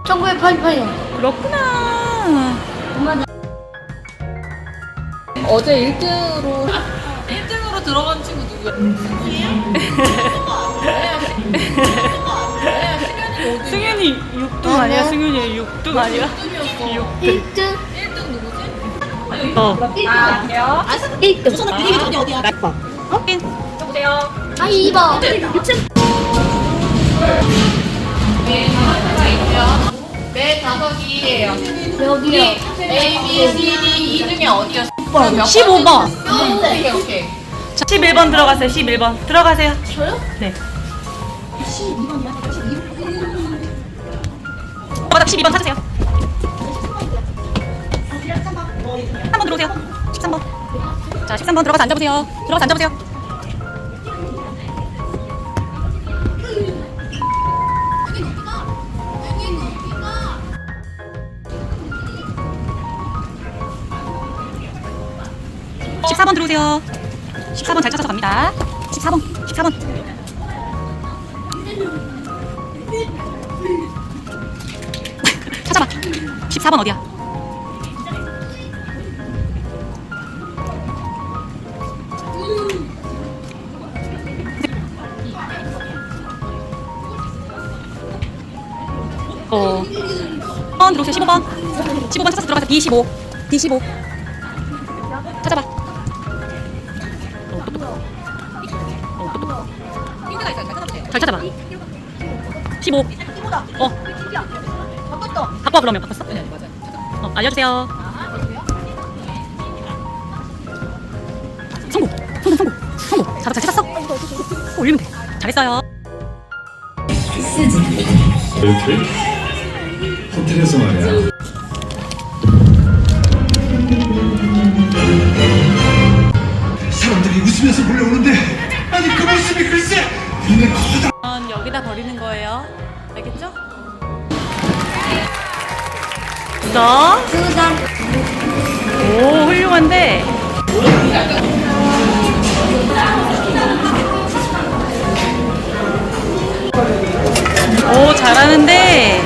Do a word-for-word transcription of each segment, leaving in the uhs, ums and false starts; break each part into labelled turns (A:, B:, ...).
A: 천구백팔십팔 년.
B: 그렇구나.
C: 어제 일 등으로
B: 일 등으로 들어간 친구 누구야? 승현이 육 등 아니야? 승현이 육 등 아니야? 육 등.
A: 일 등.
B: 일 등 누구지? 어.
A: 일 등.
C: 어디 어디야?
A: 어?
B: 확인.
C: 보세요.
A: 아, 이 번.
C: 네 다섯이에요.
A: 여기요.
C: A, B, C, D 이 중에 어디였어?
B: 십오 번.
C: 오케이 오케이.
B: 자, 십일 번 들어가세요. 십일 번. 들어가세요.
A: 저요?
B: 네. 바닥 십이 번 찾으세요. 십삼 번 들어오세요. 십삼 번. 자, 십삼 번 들어가서 앉아보세요. 들어가서 앉아보세요. 십사 번 들어오세요. 십사 번 잘 찾아서 갑니다. 십사 번, 십사 번. 찾아봐. 십사 번 어디야? 어. 번 들어오세요. 십오 번. 십오 번 찾아서 들어가세요. 디 십오. 디 십오. 찾아봐. 잘 찾아봐. 십오. 어. 바꿨어. 바꿔 그러면 바꿨어? 네, 맞아요. 어, 알려주세요. 성공. 성공, 성공. 성공. 자도 잘 찾았어? 어, 올리면 돼. 잘했어요.
D: 이렇게 호텔에서 말이야. 사람들이 웃으면서 몰려오는데 아니 그 모습이 글쎄 눈에 커다.
B: 여기다 버리는 거예요. 알겠죠? 너?
A: 그다음.
B: 오, 훌륭한데. 오, 잘하는데.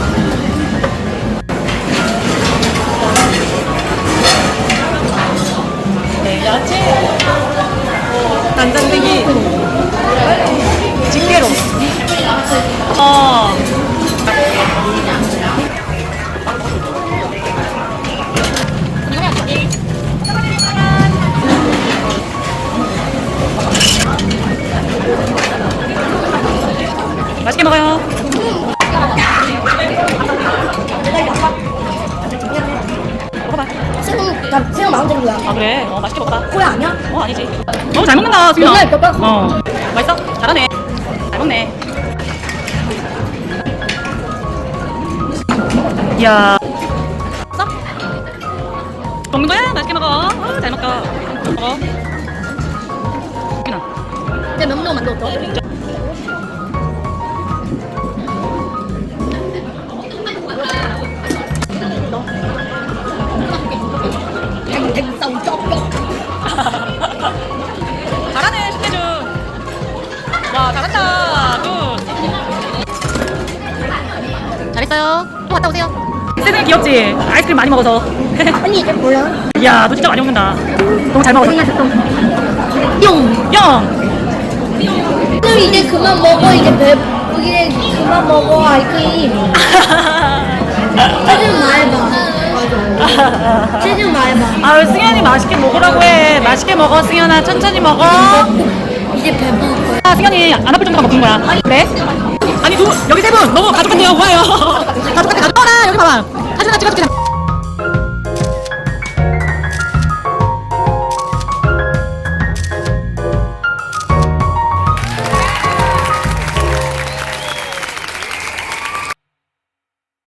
B: 네, 야채. 단장대기. 집게로. 어. 맛있게 먹어요. 먹어봐.
A: 새우, 나 새우 마음대로야.
B: 아 그래? 어 맛있게 먹어봐.
A: 코야 아니야?
B: 어 아니지. 너무 잘 먹는다 수빈아.
A: 맨날 뼈 깎고.
B: 어 맛있어? 잘하네. 잘 먹네. 이야. 써? 먹는 거야? 맛있게 먹어. 어, 잘 먹어. 먹어. 수빈아.
A: 내 명령 만들었어.
B: 잘하네 신대준. 와 잘한다. 굿. 잘했어요. 또 갔다 오세요. 세준이 귀엽지? 아이스크림 많이 먹어서.
A: 언니 이제 몰라.
B: 이야 너 진짜 많이 먹는다. 너무 잘 먹어서.
A: 뿅.
B: 영.
A: 그럼 이제 그만 먹어. 이제 배 이제 그만 먹어 아이크림. 체중 말해봐. 맞아. 체중 말해봐.
B: 아유 승현이 맛있게 먹으라고 해. 맛있게 먹어 승현아. 천천히 먹어.
A: 이제 배부를 거야.
B: 아 승현이 안 아플 정도가 먹는 거야. 그래? 아니 두 여기 세 분 너무 가족한데요. 뭐예요? 가족한테 가족. 어라 여기 봐봐. 사진 하나 찍어줄게.